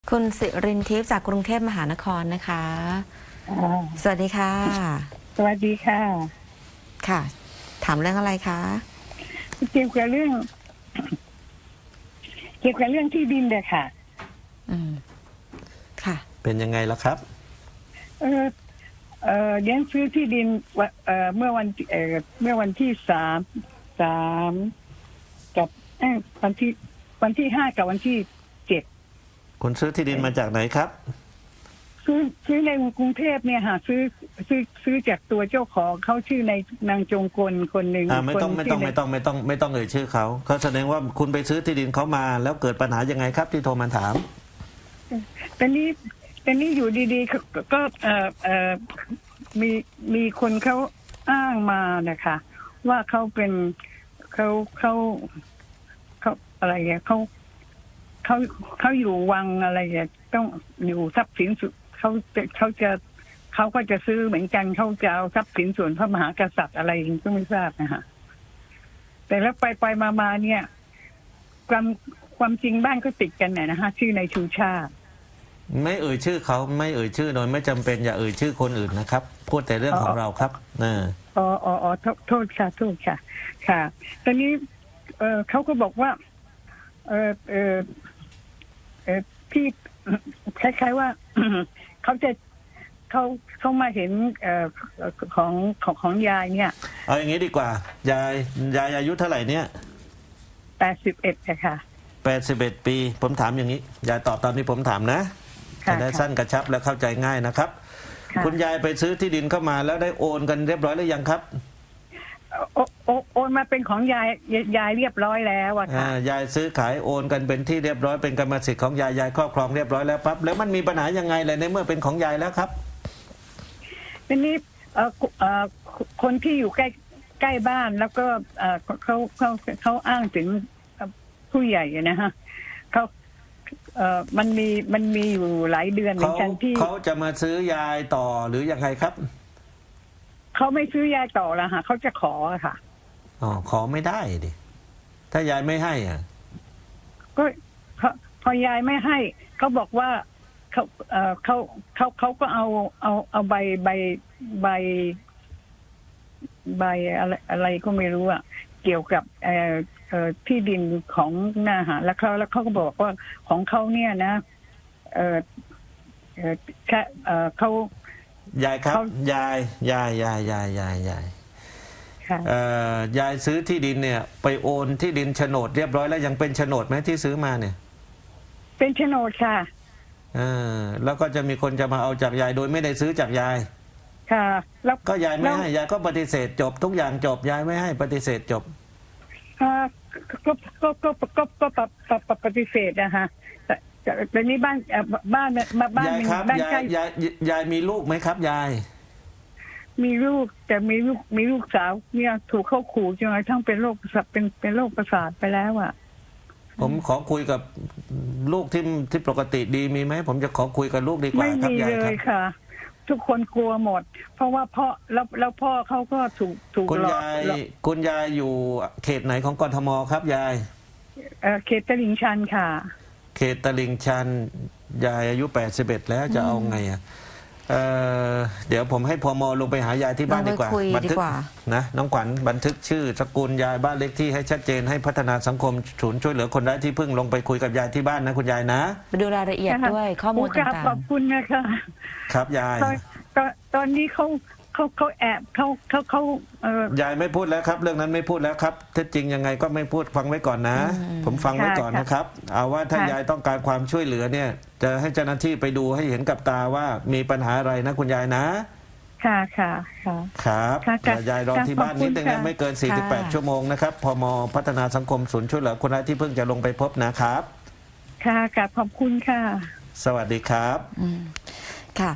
คุณสิรินทิพย์จากกรุงเทพมหานครนะคะสวัสดีค่ะสวัสดีค่ะค่ะ ถามเรื่องอะไรคะเกี่ยวกับเรื่องที่ดินเลยค่ะค่ะเป็นยังไงล่ะครับเลี้ยงซื้อที่ดินเมื่อวันที่3กับวันที่5กับวันที่7 คุณซื้อที่ดินมาจากไหนครับซื้อในกรุงเทพเนี่ยค่ะซื้อจากตัวเจ้าของเขาชื่อในนางจงกลคนหนึ่งไม่ต้องเอ่ยชื่อเขาแสดงว่าคุณไปซื้อที่ดินเขามาแล้วเกิดปัญหายังไงครับที่โทรมาถามตอนนี้อยู่ดีๆก็มีคนเขาอ้างมานะคะว่าเขาเป็นเขาอะไรเงี้ยเขาอยู่วังอะไรเงี้ยต้องอยู่ทรัพย์สินสุดเขาก็จะซื้อเหมือนกันเขาจะเอาทรัพย์สินส่วนพระมหากษัตริย์อะไรก็ไม่ทราบนะคะแต่แล้วไปมาเนี่ยความจริงบ้านก็ติดกันเนี่ยนะคะชื่อในชูชาติไม่เอ่ยชื่อเขาไม่เอ่ยชื่อโดยไม่จำเป็นอย่าเอ่ยชื่อคนอื่นนะครับพูดแต่เรื่องของเราครับโทษค่ะค่ะตอนนี้เขาก็บอกว่าที่คล้ายๆว่าเขามาเห็นของยายเนี่ยเอาอย่างนี้ดีกว่ายายอายุเท่าไหร่เนี่ย 81ค่ะ 81 ปีผมถามอย่างนี้ยายตอบตามที่ผมถามนะจะได้สั้นกระชับและเข้าใจง่ายนะครับคุณยายไปซื้อที่ดินเข้ามาแล้วได้โอนกันเรียบร้อยหรือยังครับโอนมาเป็นของยายเรียบร้อยแล้วอะค่ะยายซื้อขายโอนกันเป็นที่เรียบร้อยเป็นกรรมสิทธิ์ของยายครอบครองเรียบร้อยแล้วปั๊บแล้วมันมีปัญหายังไงเลยในเมื่อเป็นของยายแล้วครับทีนี้คนที่อยู่ใกล้บ้านแล้วก็เขาอ้างถึงผู้ใหญ่นะฮะมันมีอยู่หลายเดือนเหมือนกันที่เขาจะมาซื้อยายต่อหรือยังไงครับเขาไม่ซื้อยายต่อแล้วค่ะเขาจะขอค่ะขอไม่ได้ดิถ้ายายไม่ให้อ่ะก็พอยายไม่ให้เขาบอกว่าเขาก็เอาใบอะไรก็ไม่รู้อ่ะเกี่ยวกับที่ดินของนาหารแล้วเขาก็บอกว่าของเขาเนี่ยนะเขายายครับยายยายซื้อที่ดินเนี่ยไปโอนที่ดินโฉนดเรียบร้อยแล้วยังเป็นโฉนดไหมที่ซื้อมาเนี่ยเป็นโฉนดค่ะแล้วก็จะมีคนจะมาเอาจากยายโดยไม่ได้ซื้อจากยายค่ะแล้วก็ยายไม่ให้ยายก็ปฏิเสธจบทุกอย่างจบยายไม่ให้ปฏิเสธจบก็ปฏิเสธนะคะแต่นี่บ้านยายครับยายมีลูกไหมครับยายมีลูกแต่มีลูกสาวเนี่ยถูกเข้าขู่จนกระทั่งเป็นโรคประสาทเป็นโรคประสาทไปแล้วอ่ะผมขอคุยกับลูกที่ปกติดีมีไหมผมจะขอคุยกับลูกดีกว่าครับยายครับไม่มีเลยค่ะทุกคนกลัวหมดเพราะว่าพ่อแล้วพ่อเขาก็ถูกหลอกคุณยายอยู่เขตไหนของกทมครับยายเขตตลิ่งชันค่ะเขตตลิ่งชันยายอายุ81แล้วจะเอาไงอ่ะเดี๋ยวผมให้พม.ลงไปหายายที่บ้านดีกว่าบันทึกนะน้องขวัญบันทึกชื่อสกุลยายบ้านเลขที่ให้ชัดเจนให้พัฒนาสังคมศูนย์ช่วยเหลือคนไร้ที่พึ่งลงไปคุยกับยายที่บ้านนะคุณยายนะไปดูรายละเอียดด้วยข้อมูลต่างๆขอบคุณนะคะครับยายตอนนี้เขาแอบเขายายไม่พูดแล้วครับเรื่องนั้นไม่พูดแล้วครับเท็จจริงยังไงก็ไม่พูดฟังไว้ก่อนนะผมฟังไว้ก่อนนะครับเอาว่าถ้ายายต้องการความช่วยเหลือเนี่ยจะให้เจ้าหน้าที่ไปดูให้เห็นกับตาว่ามีปัญหาอะไรนะคุณยายนะค่ะครับยายรอที่บ้านนิดนึงนะไม่เกิน48 ชั่วโมงนะครับพม.พัฒนาสังคมศูนย์ช่วยเหลือคนไร้ที่พึ่งจะลงไปพบนะครับค่ะขอบคุณค่ะสวัสดีครับ